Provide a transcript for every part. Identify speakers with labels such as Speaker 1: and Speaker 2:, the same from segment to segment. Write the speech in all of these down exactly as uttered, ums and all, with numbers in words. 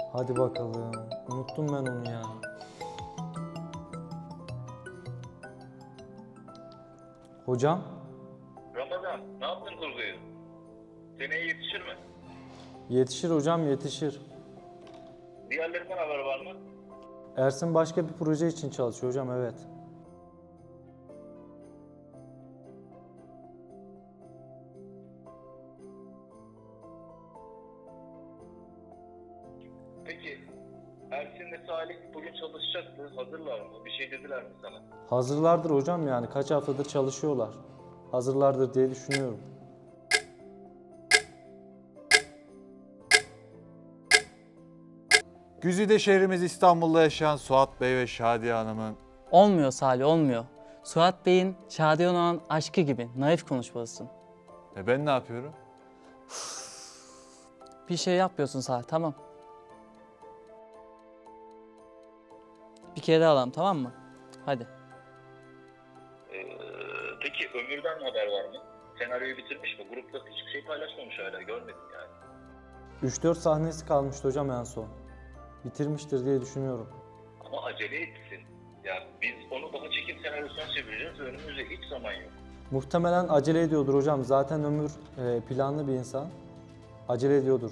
Speaker 1: Hadi bakalım. Unuttum ben onu ya. Hocam?
Speaker 2: Ramazan, ne yaptın kurguyu? Seneye yetişir mi?
Speaker 1: Yetişir hocam, yetişir.
Speaker 2: Diğerlerinden haber var mı?
Speaker 1: Ersin başka bir proje için çalışıyor hocam, evet.
Speaker 2: Peki, Ersin'le Salih bugün çalışacaktı. Hazırlar mı? Bir şey dediler mi sana?
Speaker 1: Hazırlardır hocam, yani kaç haftadır çalışıyorlar. Hazırlardır diye düşünüyorum.
Speaker 3: Güzide şehrimiz İstanbul'da yaşayan Suat Bey ve Şadiye Hanım'ın
Speaker 4: Olmuyor Salih, olmuyor. Suat Bey'in Şadiye olan aşkı gibi naif konuşmalısın.
Speaker 3: e ben ne yapıyorum?
Speaker 4: Bir şey yapmıyorsun Salih, tamam. Bir kere daha alalım, tamam mı? Hadi.
Speaker 2: Ee, peki Ömür'den haber var mı? Senaryoyu bitirmiş mi? Grupta hiçbir şey paylaşmamış hala. Görmedim yani.
Speaker 1: üç dört sahnesi kalmıştı hocam en son. Bitirmiştir diye düşünüyorum.
Speaker 2: Ama acele etsin. Yani biz onu daha çekim senaryosuna çevireceğiz ve önümüzde hiç zaman yok.
Speaker 1: Muhtemelen acele ediyordur hocam. Zaten Ömür e, planlı bir insan. Acele ediyordur.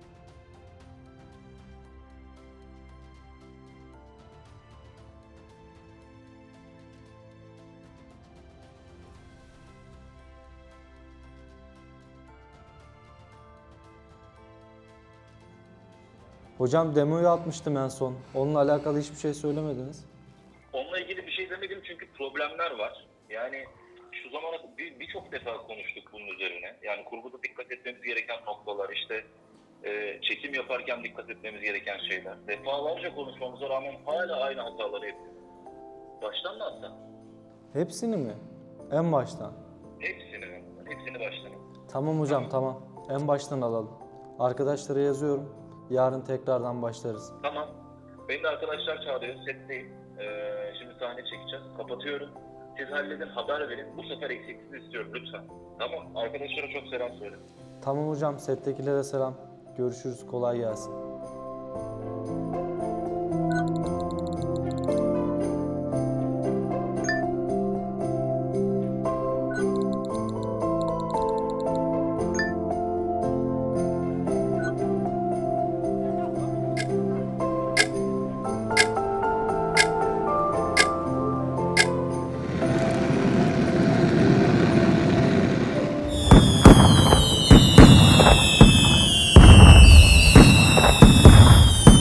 Speaker 1: Hocam demoyu atmıştım en son. Onunla alakalı hiçbir şey söylemediniz.
Speaker 2: Onunla ilgili bir şey demedim çünkü problemler var. Yani şu zamana bir- birçok defa konuştuk bunun üzerine. Yani kurguda dikkat etmemiz gereken noktalar, işte e, çekim yaparken dikkat etmemiz gereken şeyler. Defalarca konuşmamıza rağmen hala aynı hataları yapıyoruz. Baştan mı atsan?
Speaker 1: Hepsini mi? En baştan.
Speaker 2: Hepsini, hepsini baştan.
Speaker 1: Tamam hocam, tamam. En baştan alalım. Arkadaşlara yazıyorum. Yarın tekrardan başlarız.
Speaker 2: Tamam. Beni de arkadaşlar çağırıyor, setteyim. Ee, şimdi sahne çekeceğiz. Kapatıyorum. Siz halledin, haber verin. Bu sefer eksiksiz istiyorum lütfen. Tamam. Arkadaşlara çok selam söyle.
Speaker 1: Tamam hocam, settekilere selam. Görüşürüz, kolay gelsin.